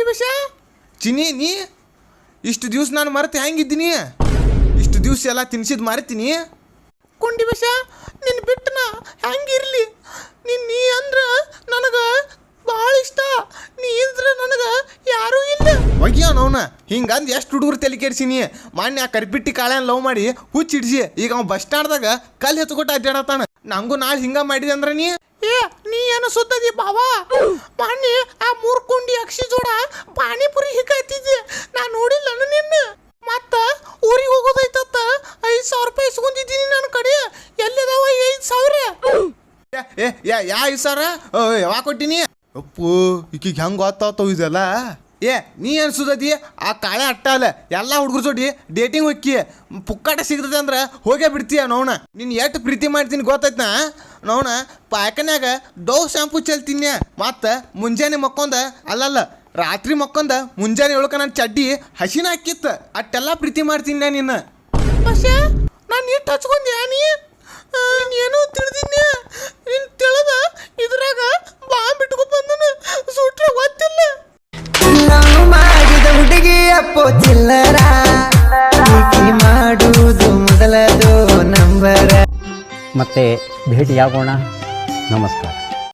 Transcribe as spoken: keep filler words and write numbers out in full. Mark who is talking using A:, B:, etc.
A: ಕೊಂಡಿ ಬಸ ಚಿನಿ ನೀ ಇಷ್ಟು ದಿವ್ಸ ನಾನು ಮರೆತು ಹೆಂಗಿದ್ದೀನಿ ಇಷ್ಟು ದಿವ್ಸ ಎಲ್ಲ ತಿನ್ಸಿದ್ ಮರಿತೀನಿ ಕೊಂಡಿ ಬಸ ನಿನ್ನ ಬಿಟ್ಟನ ಹೆಂಗಿರ್ಲಿ ನಿನ್ ನೀ ಅಂದ್ರೆ ನನಗೆ ಭಾಳ ಇಷ್ಟ ನೀ ಇದ್ರೆ ನನಗೆ ಯಾರೂ ಇಲ್ಲ ಒಗ್ಯ ಅವನ ಹಿಂಗಂದು ಎಷ್ಟು ಹುಡುಗರು ತಲೆ ಕೆಡ್ಸಿನಿ ಮಾನ್ಯ ಕರಿಪಿಟ್ಟಿ ಕಾಳ್ಯಾನ ಲವ್ ಮಾಡಿ ಹುಚ್ಚಿಡ್ಸಿ ಈಗ ಅವ ಬಸ್ ಸ್ಟ್ಯಾಂಡ್ದಾಗ ಕಲ್ಲು ಎತ್ಕೊಟ್ಟು ಅಡ್ಡಾಡತಾನ ನಂಗೂ ನಾಳೆ ಹಿಂಗ ಮಾಡಿದೆ ಅಂದ್ರೆ ನೀ ಏ ನೀ ಏನು ಸುತ್ತದಿ ಬಾವಾ ಮಾನ್ಯ ಆ ಮೂರು ಕುಂಡಿ ಅಕ್ಷಿ ಜೋಡ ಪಾನಿಪುರಿ ಹಿಕ್ಕತ್ತಿದ್ದೆ ನಾ ನೋಡಿಲ್ಲ ನಿನ್ನ ಮತ್ತ ಊರಿಗೆ ಹೋಗೋದೈತತ್ತ ಐದು ಸಾವಿರ ರೂಪಾಯಿ ಇಸ್ಕೊಂಡಿದ್ದೀನಿ ನನ್ನ ಕಡೆ ಎಲ್ಲಿದಾವ ಐದು ಸಾವಿರ ಏ ಯಾ ಯಾ ಐದು ಸಾವಿರ ಯಾವಾಗ ಕೊಟ್ಟಿನಿ ಅಪ್ಪು ಈಕಿಗೆ ಹೆಂಗೆ ಗೊತ್ತಾಗ್ತಾವ ಇದೆಲ್ಲ ಏ ನೀ ಏನು ಸುದದಿ ಆ ಕಾಳೆ ಅಟ್ಟ ಅಲ್ಲ ಎಲ್ಲ ಹುಡುಗರು ಜೋಡಿ ಡೇಟಿಂಗ್ ಹೋಕ್ಕಿ ಪುಕ್ಕಾಟ ಸಿಗ್ತದೆ ಅಂದ್ರೆ ಹೋಗೇ ಬಿಡ್ತೀಯ ನೋಣ ನೀನು ಎಷ್ಟು ಪ್ರೀತಿ ಮಾಡ್ತೀನಿ ಗೊತ್ತೈತ್ನಾ ನೋಣ ಪಾಯಕನ್ಯಾಗ ಡವ್ ಶಾಂಪು ಚೆಲ್ತೀನಿ ಮತ್ತು ಮುಂಜಾನೆ ಮಕ್ಕೊಂದ ಅಲ್ಲಲ್ಲ ರಾತ್ರಿ ಮಕ್ಕೊಂದ ಮುಂಜಾನೆ ಏಳಕ ನನ್ನ ಚಡ್ಡಿ ಹಸಿನ ಹಾಕಿತ್ತು ಅಟ್ಟೆಲ್ಲ ಪ್ರೀತಿ ಮಾಡ್ತೀನಿ ನಿನ್ನ പക്ഷേ ನಾನು ಇಟ್ಟು ಹಚ್ಕೊಂಡೆ ನೀ ಏನೋ ತಿಳಿದಿನಿ ನೀನು ತಿಳಿದ ಇದ್ರಾಗ ಬಾಂಬ್ ಇಟ್ಕೊ ಬಂದನು ಸುಟ್ರೆ ಗೊತ್ತಿಲ್ಲ
B: ನಾವು ಮಾಡಿದ ಹುಡುಗಿ ಅಪ್ಪೋ ಚಿಲ್ಲರ ಮಾಡುವುದು ಮೊದಲದು ನಂಬರ
C: ಮತ್ತೆ ಭೇಟಿಯಾಗೋಣ ನಮಸ್ಕಾರ.